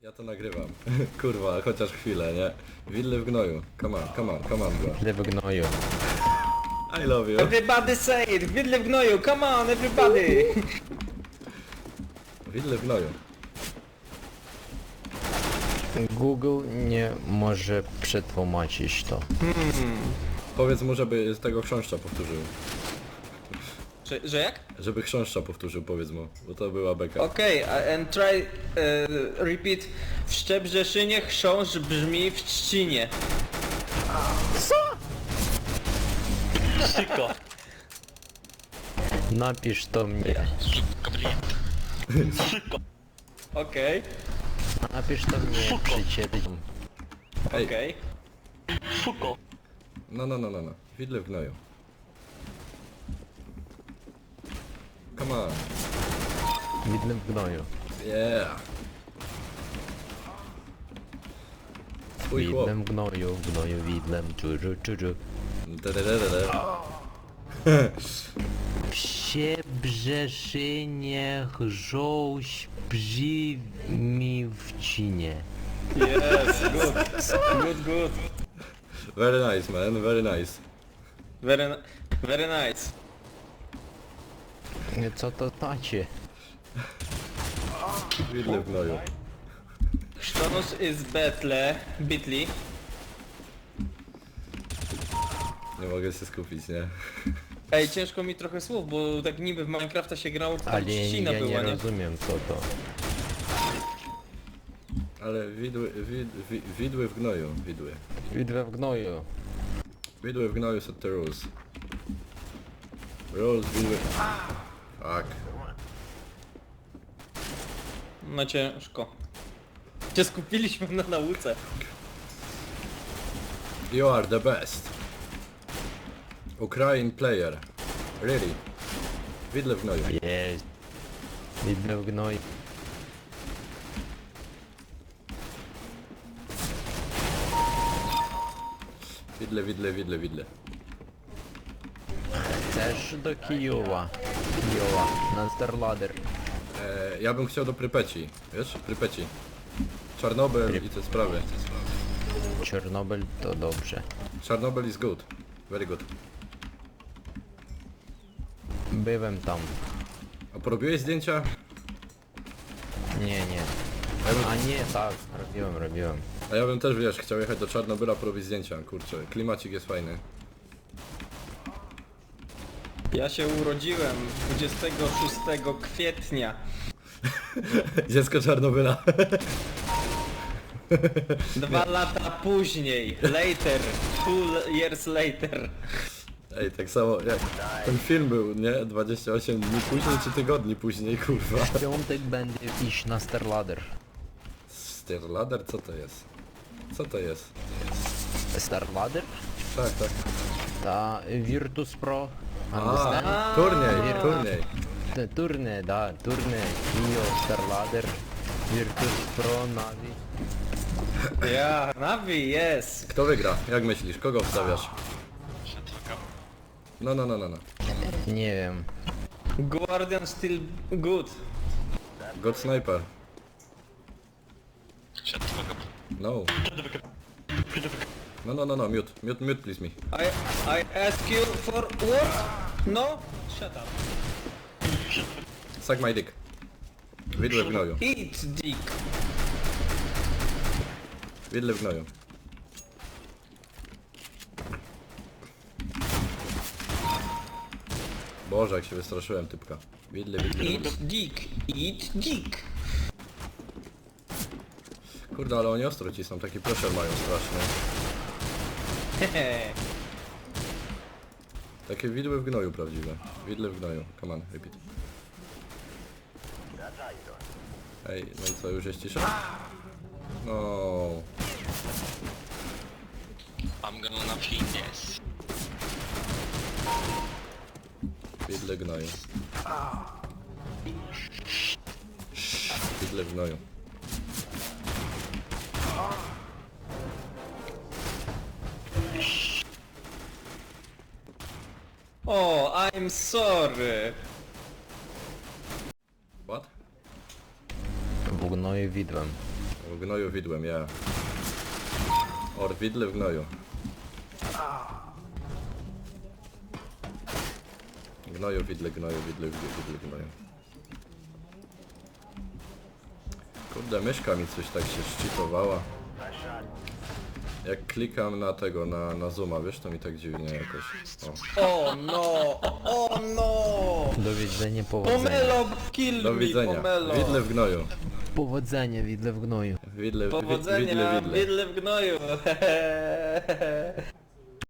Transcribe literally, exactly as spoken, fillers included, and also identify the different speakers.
Speaker 1: Ja to nagrywam. Kurwa, chociaż chwilę, nie? Widle w gnoju. Come on, come on, come on, bro.
Speaker 2: Widle w gnoju.
Speaker 1: I love you.
Speaker 3: Everybody say it! Widle w gnoju! Come on, everybody!
Speaker 1: Widle w gnoju.
Speaker 2: Google nie może przetłumaczyć to.
Speaker 1: Powiedz mu, żeby z tego chrząszcza powtórzył.
Speaker 3: Że, że jak?
Speaker 1: Żeby chrząszcza powtórzył, powiedz mu. Bo to była beka.
Speaker 3: Okej, okay, and try uh, repeat. W Szczebrzeszynie chrząszcz brzmi w trzcinie.
Speaker 4: Szybko.
Speaker 2: Napisz to mnie.
Speaker 4: Szybko.
Speaker 3: Okej,
Speaker 2: Napisz to mnie, przyjaciel.
Speaker 1: Ej,
Speaker 3: okej.
Speaker 4: Szybko.
Speaker 1: no, no, no, no, no. Widle w gnoju. Come on.
Speaker 2: Widle w gnoju.
Speaker 1: Yeah. Twój chłop.
Speaker 2: Widlem w gnoju, w gnoju widlem, czużu, czużu.
Speaker 1: Tadadadada.
Speaker 2: W Szczebrzeszynie chrząszcz brzmi w cinie.
Speaker 3: Yes, good. Good, good.
Speaker 1: Very nice, man, very nice.
Speaker 3: Very, ni- very nice.
Speaker 2: Co to znaczy?
Speaker 1: Widle w gnoju.
Speaker 3: Chrząszcz is betle, bitly.
Speaker 1: Nie mogę się skupić, nie?
Speaker 3: Ej, ciężko mi trochę słów, bo tak niby w Minecrafta się grało, to tam
Speaker 2: Ale
Speaker 3: trzcina
Speaker 2: ja nie
Speaker 3: była, nie?
Speaker 2: rozumiem co to.
Speaker 1: Ale widły, wid, wi, widły w gnoju, widły.
Speaker 2: Widle w gnoju.
Speaker 1: Widły w gnoju set the rules. Rules, widły... Fuck.
Speaker 3: No ciężko. Cię skupiliśmy na nauce.
Speaker 1: You are the best. Ukraine player. Really. Widle w gnoju.
Speaker 2: Jest. Widle w gnoju.
Speaker 1: Widle, widle, widle, widle.
Speaker 2: Chcesz do Kijowa. Kijowa. Na Starladder.
Speaker 1: E, ja bym chciał do Prypeci. Wiesz? Prypeci. Czarnobyl i te sprawy.
Speaker 2: Czarnobyl to dobrze.
Speaker 1: Czarnobyl is good. Very good.
Speaker 2: Byłem tam.
Speaker 1: A porobiłeś zdjęcia?
Speaker 2: Nie, nie.
Speaker 1: A ja bym,
Speaker 2: A nie, tak. Robiłem, robiłem.
Speaker 1: a ja bym też, wiesz, chciał jechać do Czarnobyla porobić zdjęcia. Kurczę, klimacik jest fajny.
Speaker 3: Ja się urodziłem dwudziestego szóstego kwietnia.
Speaker 1: Dziecko Czarnobyla.
Speaker 3: Dwa lata później. Later. Two years later.
Speaker 1: Ej, tak samo jak ten film był, nie? dwadzieścia osiem dni później czy tygodni później, kurwa.
Speaker 2: W piątek będę iść na Starladder.
Speaker 1: Starladder? Co to jest? Co to jest?
Speaker 2: Starladder?
Speaker 1: Tak, tak.
Speaker 2: Ta Virtus Pro.
Speaker 1: A,
Speaker 2: Understand?
Speaker 1: turniej, turniej.
Speaker 2: Te turne, da, turne. Kio, Starladder. Virtus Pro, Navi.
Speaker 3: Ja, Navi, yes.
Speaker 1: Kto wygra? Jak myślisz? Kogo wstawiasz? No, no, no, no, no.
Speaker 2: Nie wiem.
Speaker 3: Guardian still good.
Speaker 1: God Sniper. No. No, no, no, no, mute. Mute, mute, please me.
Speaker 3: I, I ask you for what? No? Shut up.
Speaker 1: Suck my dick. Widle w gnoju.
Speaker 3: Eat dick.
Speaker 1: Widle w gnoju. Boże, jak się wystraszyłem, typka. Widle, widle.
Speaker 3: Eat dick. Eat dick.
Speaker 1: Kurde, ale oni ostro ci są, taki pressure mają straszny.
Speaker 3: Hehe.
Speaker 1: Takie widły w gnoju prawdziwe. Widle w gnoju. Come on, repeat. Ej, no i co, już jest cisza? No.
Speaker 4: I'm gonna napij this.
Speaker 1: Widle gnoju. Widle w gnoju.
Speaker 3: Oh, I'm sorry.
Speaker 1: What?
Speaker 2: W gnoju widłem.
Speaker 1: W gnoju widłem, ja. Or widle w gnoju. Gnoju, widle, gnoju, widle, widle, widle, gnoju. Kurde, myszka mi coś tak się szczytowała. Jak klikam na tego, na, na zooma, wiesz, to mi tak dziwnie jakoś. O.
Speaker 3: O no! O no!
Speaker 2: Do widzenia, powodzenia.
Speaker 3: Pomelo, kill
Speaker 1: Do
Speaker 3: me,
Speaker 1: widzenia.
Speaker 3: pomelo!
Speaker 1: Widle w gnoju.
Speaker 2: Powodzenia, widle w gnoju.
Speaker 1: Widle, wi-
Speaker 3: Powodzenia,
Speaker 1: widle, widle.
Speaker 3: widle w gnoju!